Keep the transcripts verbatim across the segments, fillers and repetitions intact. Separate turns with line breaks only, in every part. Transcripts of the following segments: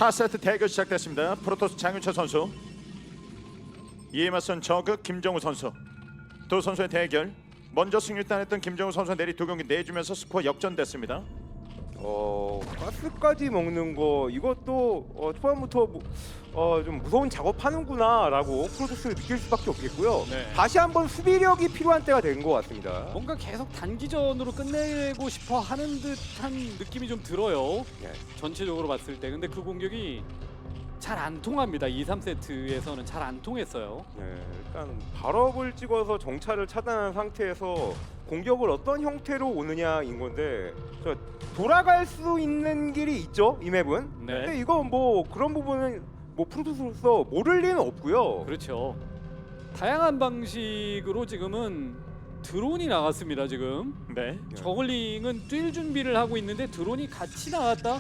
사 세트 대결 시작됐습니다. 프로토스 장윤철 선수, 이에 맞선 저그 김정우 선수. 두 선수의 대결. 먼저 승리 따냈던 김정우 선수 내리 두 경기 내주면서 스코어 역전됐습니다.
어 가스까지 먹는 거 이것도 어, 초반부터 뭐, 어, 좀 무서운 작업하는구나라고 프로토스를 느낄 수밖에 없겠고요.
네.
다시 한번 수비력이 필요한 때가 된 것 같습니다.
뭔가 계속 단기전으로 끝내고 싶어 하는 듯한 느낌이 좀 들어요.
네.
전체적으로 봤을 때. 근데 그 공격이 잘 안 통합니다. 이, 삼 세트에서는 잘 안 통했어요.
네, 일단 발업을 찍어서 정찰을 차단한 상태에서 공격을 어떤 형태로 오느냐인 건데 저 돌아갈 수 있는 길이 있죠, 이 맵은.
네.
근데 이거 뭐 그런 부분은 뭐 프로토스로서 모를 리는 없고요.
그렇죠. 다양한 방식으로 지금은 드론이 나갔습니다. 지금
네.
저글링은 뛸 준비를 하고 있는데 드론이 같이 나왔다.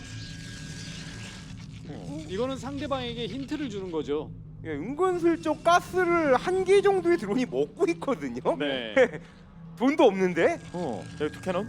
이거는 상대방에게 힌트를 주는 거죠.
예, 은근슬쩍 가스를 한 개 정도의 드론이 먹고 있거든요.
네.
돈도 없는데.
어, 여기 투캐논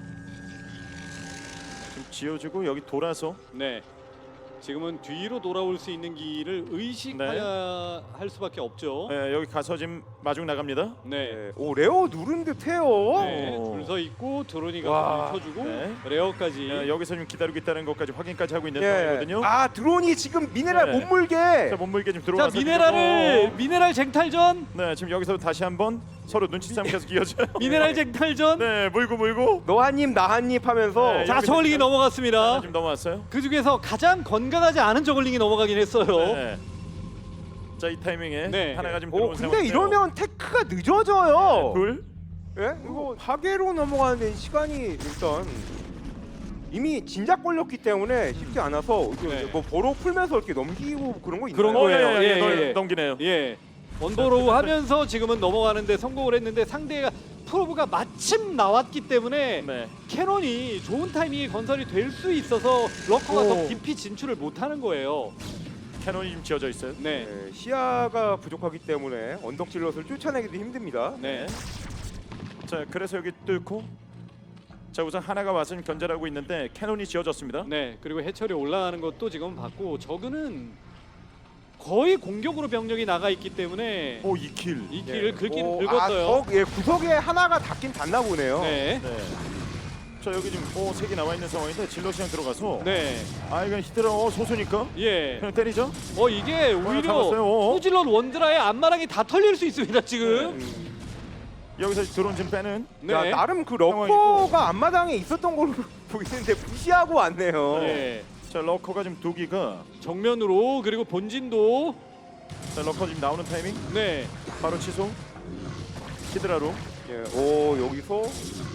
좀 지어주고 여기 돌아서.
네. 지금은 뒤로 돌아올 수 있는 길을 의식해야 할 수밖에 없죠.
네, 여기 가서 지금 마중 나갑니다.
네.
예, 오 레어 누른 듯해요.
네.
오.
줄 서 있고 드론이
와.
가서 쳐주고
네.
레어까지.
네, 여기서 좀 기다리고 있다는 것까지 확인까지 하고 있는
예.
상황이거든요.
아 드론이 지금 미네랄
네.
못 물게.
자, 몸물게 좀
자
들어와서
미네랄을
지금, 어,
미네랄 쟁탈전.
네, 지금 여기서 다시 한번 서로 눈치싸움 계속 이어져요.
미네랄 쟁탈전.
네, 물고 물고.
너 한 입 나 한 입 하면서
네,
자
여기
저글링이
지금-
넘어갔습니다.
지금 넘어왔어요.
그 중에서 가장 건강하지 않은 저글링이 넘어가긴 했어요.
네. 자, 이 타이밍에
네.
하나가 좀
오
들어온
근데
상황인데요.
이러면 테크가 늦어져요.
둘.
예? 이거 파괴로 넘어가는 시간이 일단 이미 진작 걸렸기 때문에 쉽지 않아서 이거
네.
뭐 버로 풀면서 이렇게 넘기고 그런 거 있나요?
그런
어,
거예요.
예, 예,
예,
예,
예.
넘기네요.
예. 원버로우 하면서 지금은 넘어가는데 성공을 했는데 상대가 프로브가 마침 나왔기 때문에
네.
캐논이 좋은 타이밍에 건설이 될 수 있어서 러커가
오.
더 깊이 진출을 못하는 거예요.
캐논이 지금 지어져 있어요.
네.
네, 시야가 부족하기 때문에 언덕 질럿을 쫓아내기도 힘듭니다.
네.
자, 그래서 여기 뚫고 자, 우선 하나가 와서 지금 견제를 하고 있는데 캐논이 지어졌습니다.
네. 그리고 해철이 올라가는 것도 지금 봤고 저그는 거의 공격으로 병력이 나가 있기 때문에
오, 이 킬.
이 길을 긁긴
오,
긁었어요.
아, 적, 예, 구석에 하나가 닿긴 닿나 보네요.
네.
네. 자, 여기 지금 오, 색이 나와 있는 상황인데 질럿이 그냥 들어가서
네.
아, 이건 히드라 어, 소수니까
예.
그냥 때리죠.
어 이게 오히려
잡았어요. 어.
후질럿 원드라의 앞마랑이 다 털릴 수 있습니다 지금.
음,
여기서 드론 지금 빼는.
네.
야, 나름 그
상황이고.
러커가 앞마당에 있었던 걸로 보이는데 무시하고 왔네요.
예.
자, 러커가 지금 두 기가.
정면으로 그리고 본진도
자, 러커 지금 나오는 타이밍
네.
바로 취소. 히드라로
예, 오 여기서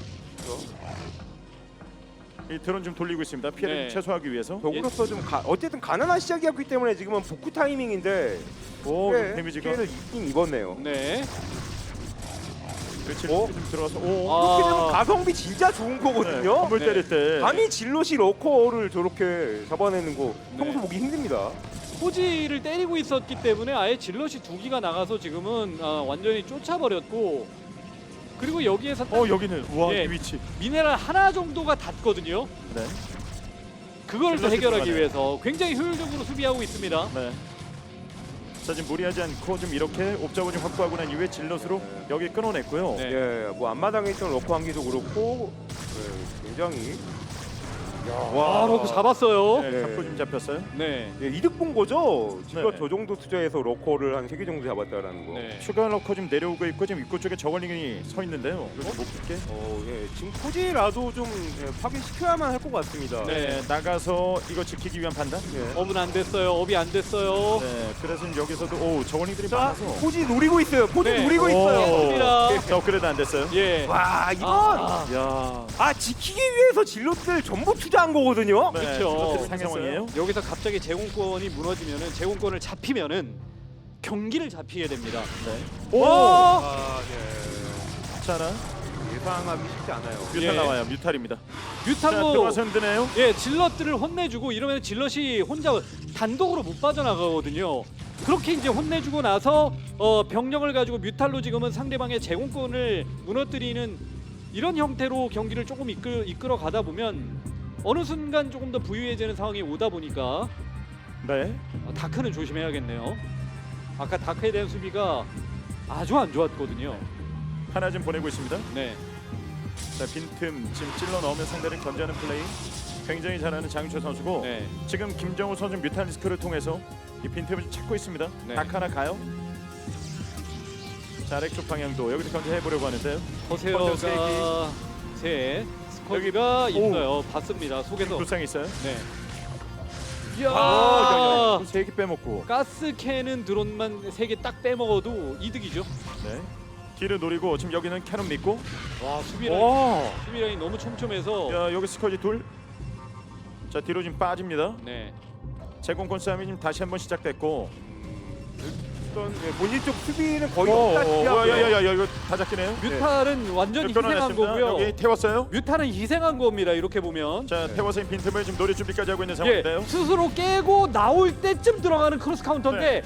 이 드론 좀 돌리고 있습니다. 피해를
네.
좀 최소화하기 위해서.
적으로서 좀 가, 어쨌든 가난한 시작이었기 때문에 지금은 복구 타이밍인데
오,
꽤
데미지가
피해를 입긴 입었네요.
네.
그렇지.
어?
좀 들어가서 오.
아.
이렇게 되면 가성비 진짜 좋은
네,
거거든요.
건물
네.
때릴 때.
감히 질럿이 러커를 저렇게 잡아내는 거 평소
네.
보기 힘듭니다.
포지를 때리고 있었기 때문에 아예 질럿이 두 기가 나가서 지금은 아, 완전히 쫓아버렸고 그리고 여기에서 딱
어, 여기는 우와,
예.
이 위치.
미네랄 하나 정도가 닿거든요.
네.
그걸 또
질럿이
해결하기
들어가네요.
위해서 굉장히 효율적으로 수비하고 있습니다.
네. 자, 지금 무리하지 않고 좀 이렇게 옵저버 좀 확보하고 난 이후에 질럿으로
네.
여기 끊어냈고요.
네.
예, 뭐 앞마당에 있던 러커 한 개도 그렇고 예, 굉장히
와, 러커 잡았어요.
네,
네.
잡고 좀 잡혔어요.
네.
예, 이득 본 거죠. 질럿
네.
저 정도 투자해서 러커를 한 세 개 정도 잡았다라는 거.
네.
추가 러커 지금 내려오고 있고 지금 입구 쪽에 저걸링이 서 있는데요. 이거 못 붙게.
어, 예, 지금 포지라도 좀 예, 파괴시켜야만 할 것 같습니다.
네.
네, 나가서 이거 지키기 위한 판단.
예.
업은 안 됐어요. 업이 안 됐어요.
네, 그래서 지금 여기서도 오 저걸링들이
자,
많아서.
포지 노리고 있어요. 포지
네.
노리고 있어요.
맞습니다.
자, 업그레이드 안 됐어요.
예.
와, 이건
아,
야.
아 지키기 위해서 질럿들 전부 투자한 거거든요.
네,
그쵸.
그렇게
상했어요.
상황이에요.
여기서 갑자기 제공권이 무너지면은 제공권을 잡히면은 경기를 잡히게 됩니다.
네.
오!
아, 예.
자, 하나.
예상하기 쉽지 않아요.
뮤탈
예.
나와요. 뮤탈입니다. 자,
뮤탄고
들어가서 흔드네요.
예, 질럿들을 혼내주고 이러면 질럿이 혼자 단독으로 못 빠져나가거든요. 그렇게 이제 혼내주고 나서 어, 병력을 가지고 뮤탈로 지금은 상대방의 제공권을 무너뜨리는 이런 형태로 경기를 조금 이끌, 이끌어 가다 보면 어느 순간 조금 더 부유해지는 상황이 오다 보니까
네.
어, 다크는 조심해야겠네요. 아까 다크에 대한 수비가 아주 안 좋았거든요.
하나 좀 보내고 있습니다.
네.
자, 빈틈 지금 찔러 넣으면 상대를 견제하는 플레이 굉장히 잘하는 장윤철 선수고
네.
지금 김정우 선수 뮤탈리스크를 통해서 이 빈틈을 좀 찾고 있습니다.
네.
닭 하나 가요. 자, 아래쪽 방향도 여기서 견제해보려고 하는데요.
허세어가
허세어
세 스커지가
여기- 오.
있어요. 봤습니다. 속에서.
불상이 있어요.
네. 이야.
아, 세개 빼먹고.
가스캔은 드론만 세 개 딱 빼먹어도 이득이죠.
네. 뒤를 노리고 지금 여기는 캐논 믿고.
와 수비 라인,
오.
수비 라인 너무 촘촘해서.
야, 여기 스커지 둘. 자, 뒤로 좀 빠집니다.
네.
제공권 싸움이 지금 다시 한번 시작됐고.
어떤 예, 본진 쪽 수비는 거의
오,
없다시피
오,
하고요.
야야야, 이거 다 잡히네요.
뮤탈은 완전히 희생한
끊어냈습니다.
거고요.
여기 태웠어요.
뮤탈은 희생한 겁니다. 이렇게 보면.
자,
네.
태워서 빈틈을 지금 노릴 준비까지 하고 있는
예,
상황인데요.
스스로 깨고 나올 때쯤 들어가는 크로스 카운터인데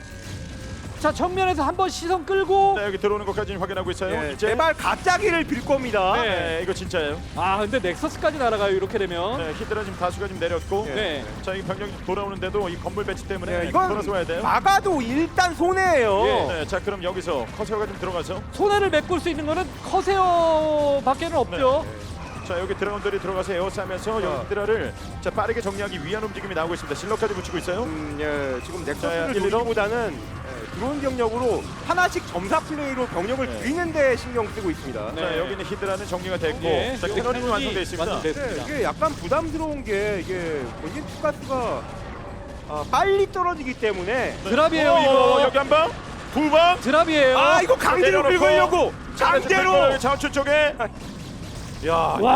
자 정면에서 한번 시선 끌고
네, 여기 들어오는 것까지 확인하고 있어요.
예,
이제
제발 갑자기를 빌 겁니다.
네.
네, 이거 진짜예요.
아 근데 넥서스까지 날아가요 이렇게 되면.
네, 히드라 지금 다수가 지금 내렸고.
예.
네.
자, 이 병력이 돌아오는데도 이 건물 배치 때문에
네, 이건
돌아서 와야 돼요.
막아도 일단 손해예요.
예.
네, 자, 그럼 여기서 커세어가 좀 들어가서
손해를 메꿀 수 있는 거는 커세어밖에는 없죠.
자, 여기 드라군들이 들어가서 에어싸면서
자.
여기 히드라를 자, 빠르게 정리하기 위한 움직임이 나오고 있습니다. 실러까지 붙이고 있어요.
음, 예, 지금
자,
넥서스를
일, 일 호.
노리기보다는 예, 드론 병력으로 하나씩 점사 플레이로 병력을
네.
줄이는 데 신경 쓰고 있습니다.
네.
자, 여기는 히드라는 정리가 됐고
예,
자,
여기
캐논이
캐논이
완성돼 있습니다.
완성됐습니다.
네, 이게 약간 부담스러운 게 이게 본진 투가스가 아, 빨리 떨어지기 때문에
드랍이에요
어,
이거.
여기 한 방, 두 방.
드랍이에요.
아 이거 강제로
내려놓고.
긁으려고 강제로
자원추 쪽에. 야,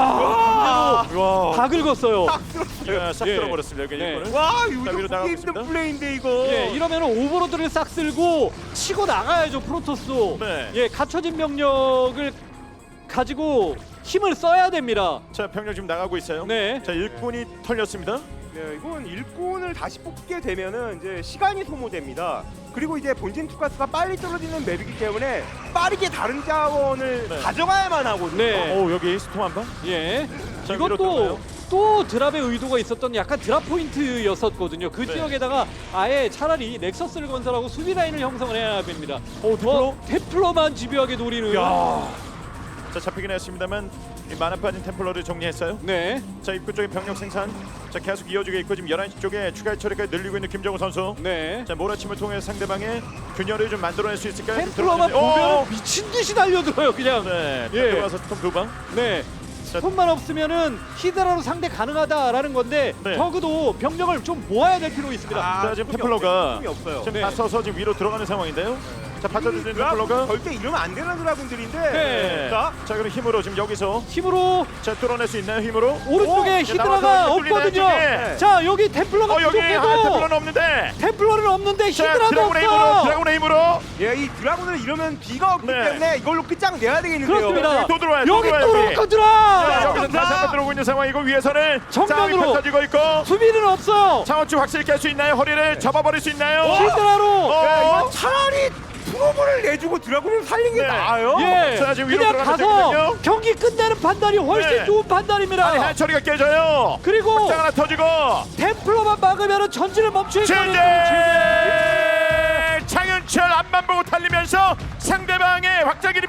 와,
와,
다 긁었어요.
딱 들었어요.
야, 싹
예.
들어버렸습니다. 여기
네.
이거는.
와
자,
이거
위로
보기
나가고
힘든
있습니다.
플레이인데 이거.
예, 이러면 오버로드를 싹 쓸고 치고 나가야죠 프로토스.
네.
예, 갖춰진 병력을 가지고 힘을 써야 됩니다.
자, 병력 지금 나가고 있어요.
네.
자, 일꾼이 털렸습니다.
네, 이건 일꾼을 다시 뽑게 되면은 이제 시간이 소모됩니다. 그리고 이제 본진 투가스가 빨리 떨어지는 맵이기 때문에 빠르게 다른 자원을
네.
가져가야만 하거든요.
네.
오, 여기 스톰 한 방.
예.
자, 위로
이것도
들어가요.
또 드랍의 의도가 있었던 약간 드랍 포인트였었거든요. 그
네.
지역에다가 아예 차라리 넥서스를 건설하고 수비 라인을 형성을 해야 됩니다.
오,
뭐 테플러만 집요하게 노리는.
야. 자, 잡히긴 했습니다만 이 만화 빠진 템플러를 정리했어요.
네.
자, 입구 쪽에 병력 생산. 자, 계속 이어지고 있고 지금 열한 시 쪽에 추가 처리까지 늘리고 있는 김정우 선수.
네.
자, 몰아침을 통해 상대방의 균열을 좀 만들어낼 수 있을까요? 좀
템플러만
들어가는데- 오!
보면 미친 듯이 달려들어요, 그냥.
네,
예.
들어와서 스톰 두 방.
네.
자,
손만 없으면은 히드라로 상대 가능하다라는 건데
네.
적어도 병력을 좀 모아야 될 필요 있습니다.
자, 지금
틈이
템플러가
없어요. 틈이 없어요.
지금
네.
다 써서 지금 위로 들어가는 상황인데요. 자, 받쳐주는
드라군
템플러가.
절대 이러면 안 되는 드라군들인데.
네.
자,
자, 그럼 힘으로 지금 여기서
힘으로
자, 뚫어낼 수 있나요? 힘으로?
오른쪽에
오!
히드라가
나와서 뚫리네,
없거든요.
뚫리네.
자, 여기 템플러가
어, 여기 아,
부족해도
템플러는 없는데.
템플러는 없는데
자,
히드라도
드라군의 힘으로,
없어.
드라군의 힘으로.
예, 이 드라군을 이러면 뒤가 없기
네.
때문에 이걸로 끝장 내야 되겠는데요.
그렇습니다.
또 들어와요, 또
여기
들어와요,
또
여기.
놓고 들어.
자, 여기서
감사합니다.
다시 한번 들어오고 있는 상황이고 위에서는
정면으로.
싸움이 펼쳐지고 있고
수비는 없어.
차원추 확실히 깰 수 있나요? 허리를 접어버릴 수 있나요?
히드라로.
어?
야, 이거 차라리 프로브를 내주고 드라군을 살린 게
네.
나아요.
예.
자, 지금 위로
그냥
들어가는
가서
중이거든요.
경기 끝내는 판단이 훨씬
네.
좋은 판단입니다.
아니, 해처리가 깨져요.
그리고
장 하나 터지고
템플러만 막으면 전진을 멈추는
최재 창윤철 앞만 보고 달리면서 상대방의 확장기를